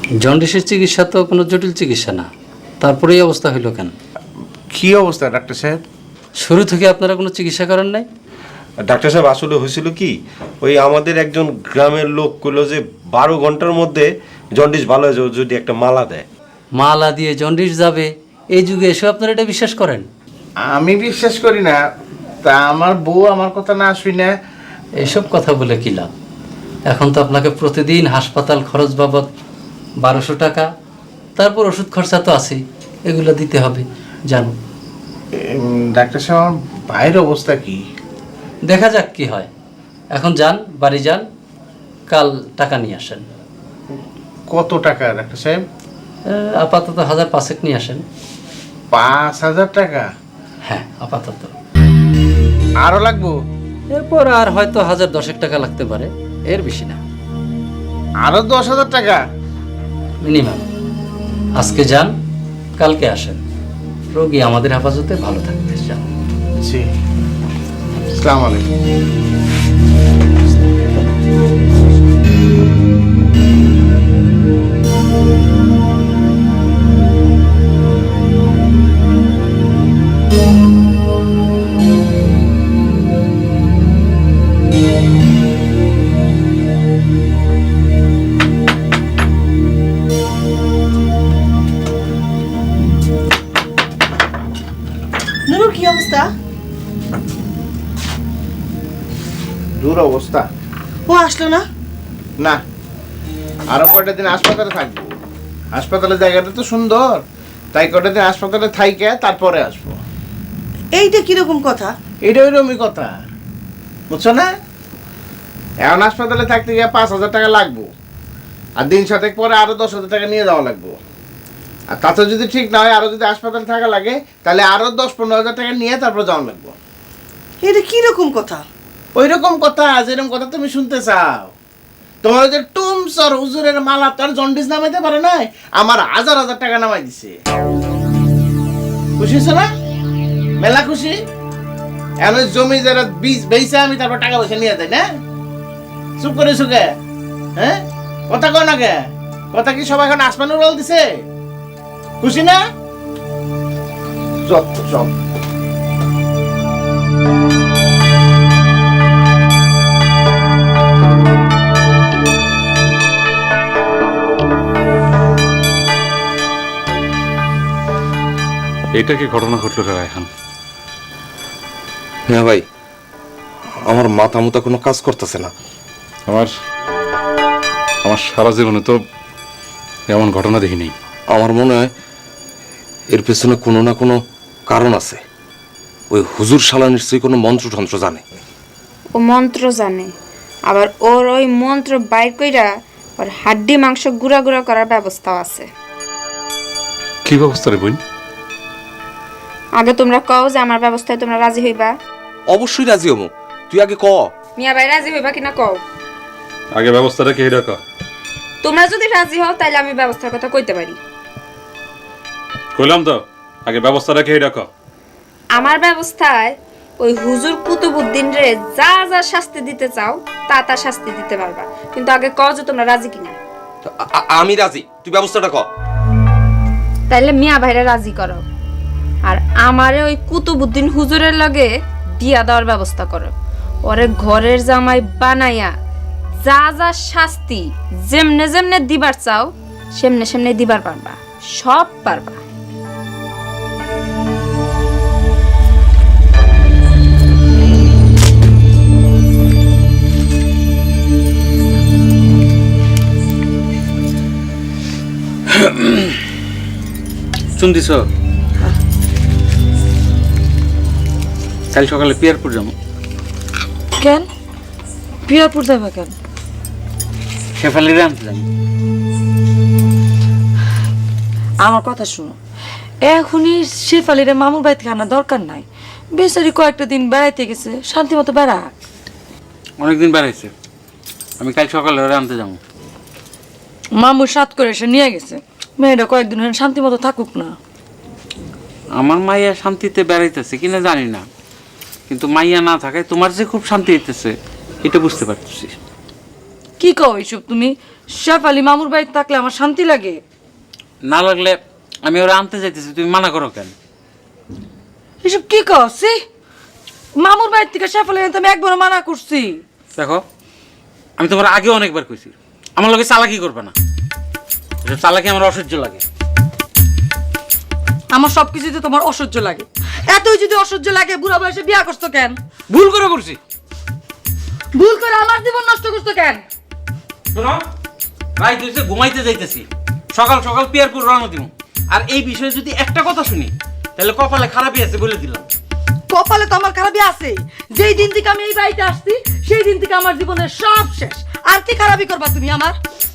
জন্ডিসের চিকিৎসা তো কোনো জটিল চিকিৎসা না, তারপরে এই অবস্থা হইল কেন? কি অবস্থা ডাক্তার সাহেব? শুরু থেকে আপনারা কোনো চিকিৎসা করেন নাই? ডাক্তার সাহেব আসলে হয়েছিল কি, ওই আমাদের একজন গ্রামের লোক কইলো যে 12 ঘন্টার মধ্যে জন্ডিস ভালো হয়ে যাবে যদি একটা মালা দেয়। মালা দিয়ে জন্ডিস যাবে এই যুগে এসে আপনারা এটা বিশ্বাস করেন? আমি বিশ্বাস করি না, তা আমার বউ আমার কথা না শুই না। এসব কথা বলে কি লাভ? এখন তো আপনাকে প্রতিদিন হাসপাতাল খরচ বাবদ 1200 টাকা, তারপর ওষুধ খরচা তো আছেই, এগুলো দিতে হবে জানো। ডাক্তার সাহেব আমার ভাইয়ের অবস্থা কি? দেখা যাক কি হয়। এখন যান, বাড়ি যান, কাল টাকা নিয়ে আসেন। কত টাকা ডাক্তার সাহেব? আপাতত 1005 নিয়ে আসেন। 5000 টাকা? হ্যাঁ আপাতত। আরো লাগবো? এরপর আর হয়তো 1010 টাকা লাগতে পারে, এর বেশি না। আরো 10,000 টাকা মিনিমাম। আজকে যান, কালকে আসেন, রোগী আমাদের হেফাজতে ভালো থাকবে। যান। জি, আসসালামু আলাইকুম। নুরুর কি অবস্থা? দূর অবস্থা। ও আসলো না? না, আরো কয়টা দিন হাসপাতালে থাকবো। হাসপাতালের জায়গাটা তো সুন্দর, তাই কয়টা দিন হাসপাতালে থাইকে তারপরে আসবো। এইটা কিরকম কথা? এটা ওইরকমই কথা, বুঝছো না? এখন হাসপাতালে থাকতে গিয়ে 5,000 টাকা লাগবো, আর দিন সাতেক পরে আরো 10,000 টাকা নিয়ে যাওয়া লাগবো। আর তাতে যদি ঠিক না হয়, আরো যদি হাসপাতালে থাকা লাগে, তাহলে আরো 10-15,000 টাকা নিয়ে তারপর যাওয়া লাগবো। এটা কিরকম কথা? ওই রকম কথা, যেরকম কথা তুমি শুনতে চাও। তোমার ওই যে টুমসর হুজুরের মালা তার জন্ডিস নামাইতে পারে নাই, আমার 1000 টাকা নামাই দিছে। খুশি হয়েছো না? মেলা খুশি। এখন ওই জমি যারা বীজ বেইছে আমি তারপর টাকা পয়সা নিয়ে যাই না? চুপ করে সুখে, হ্যাঁ? কথা কয় না কে? কথা কি সবাই এখন আসমানে উড়াল দিছে? খুশি না? যত সব। এটা কি ঘটনা ঘটলো রে রায়হান? হ্যাঁ ভাই, আমার মাথা মুতা কোনো কাজ করতেছে না। আমার আমার সারা জীবনে তো এমন ঘটনা দেখিনি। আমার মনে হয় এর পেছনে কোনো না কোনো কারণ আছে। ওই হুজুর শালা নিশ্চয়ই কোনো মন্ত্রতন্ত্র জানে। ও মন্ত্র জানে, আবার ওর ওই মন্ত্র বাইর কইরা ওর হাড্ডি মাংস গুঁড়া গুঁড়া করার ব্যবস্থাও আছে। কি ব্যবস্থা রে বোন? আগে তোমরা কও যে আমার ব্যবস্থায় তোমরা রাজি হইবা। অবশ্যই রাজি হমু, তুই আগে ক। মিয়া ভাই রাজি হইবা কিনা কও। আগে ব্যবস্থাটা কি এটা ক। তোমরা যদি রাজি হও তাহলে আমি ব্যবস্থার কথা কইতে পারি। কইলাম তো, আগে ব্যবস্থাটা কি এটা ক। আমার ব্যবস্থায় ওই হুজুর কুতুবউদ্দিন রে যা যা শাস্তি দিতে চাও তা তা শাস্তি দিতে পারবা, কিন্তু আগে কও যে তোমরা রাজি কিনা। আমি রাজি, তুই ব্যবস্থাটা ক। তাইলে মিয়া ভাইরা রাজি করো, আর আমারে ওই কুতুবউদ্দিন হুজুরের লগে বিয়া দেওয়ার ব্যবস্থা করো। ওরে ঘরের জামাই বানাইয়া যা যা শাস্তি যেমনে যেমনে দিবার চাও সেমনে সেমনে দিবার পারবা, সব পারবা। চুন দিছ? কাল সকালে পিয়ারপুর যাবো। কেন পিয়ারপুর যাবা কেন? শেফালিরে আনতে যাবো। আমার কথা শুনো, এখনই শেফালিরে মামুর বাড়ি থেকে আনার দরকার নাই। বেচারি কয়েকটা দিন বেড়াইতে গেছে, শান্তি মতো বেড়াক। অনেকদিন বেড়াইছে, আমি কাল সকালে ওরা আনতে যাবো। মামুর সাত করে এসে নিয়ে গেছে, মেয়েটা কয়েকদিন হয়ে শান্তি মতো থাকুক না। আমার মাইয়া শান্তিতে বেড়াইতেছে কিনা জানি না, কিন্তু মাইয়া না থাকায় তোমার যে খুব শান্তি হইতেছে এটা বুঝতে পারতেছি। কি কও এইসব তুমি? শেফালি মামুর বাড়িতে থাকলে আমার শান্তি লাগে। না লাগলে আমি ওরা আনতে যাইতেছি, তুমি মানা করো কেন? এসব কি কও? সি, মামুর বাড়ির থেকে শেফালি আনতে আমি একবার মানা করছি। দেখো, আমি তোমার আগে অনেকবার কইছি আমার লোকে চালাকি করবে না, এসব চালাকি আমার অসহ্য লাগে। আমার সবকিছুতে তোমার অসহ্য লাগে। এতই যদি অসহ্য লাগে বুড়া বয়সে বিয়া করছো কেন? ভুল করে করছি। ভুল করে আমার জীবন নষ্ট করছো কেন? শোনো, রাত হইছে, ঘুমাইতে যাইতেছি, সকাল সকাল পিয়ারপুর রওনা দিব। আর এই বিষয়ে যদি একটা কথা শুনি তাহলে কপালে খারাপই আছে বলে দিলাম। কপালে তো আমার খারাপই আছে। যেই দিন থেকে আমি এই বাড়িতে আসছি সেই দিন থেকে আমার জীবনের সব শেষ। আর কি খারাপই করবা তুমি আমার?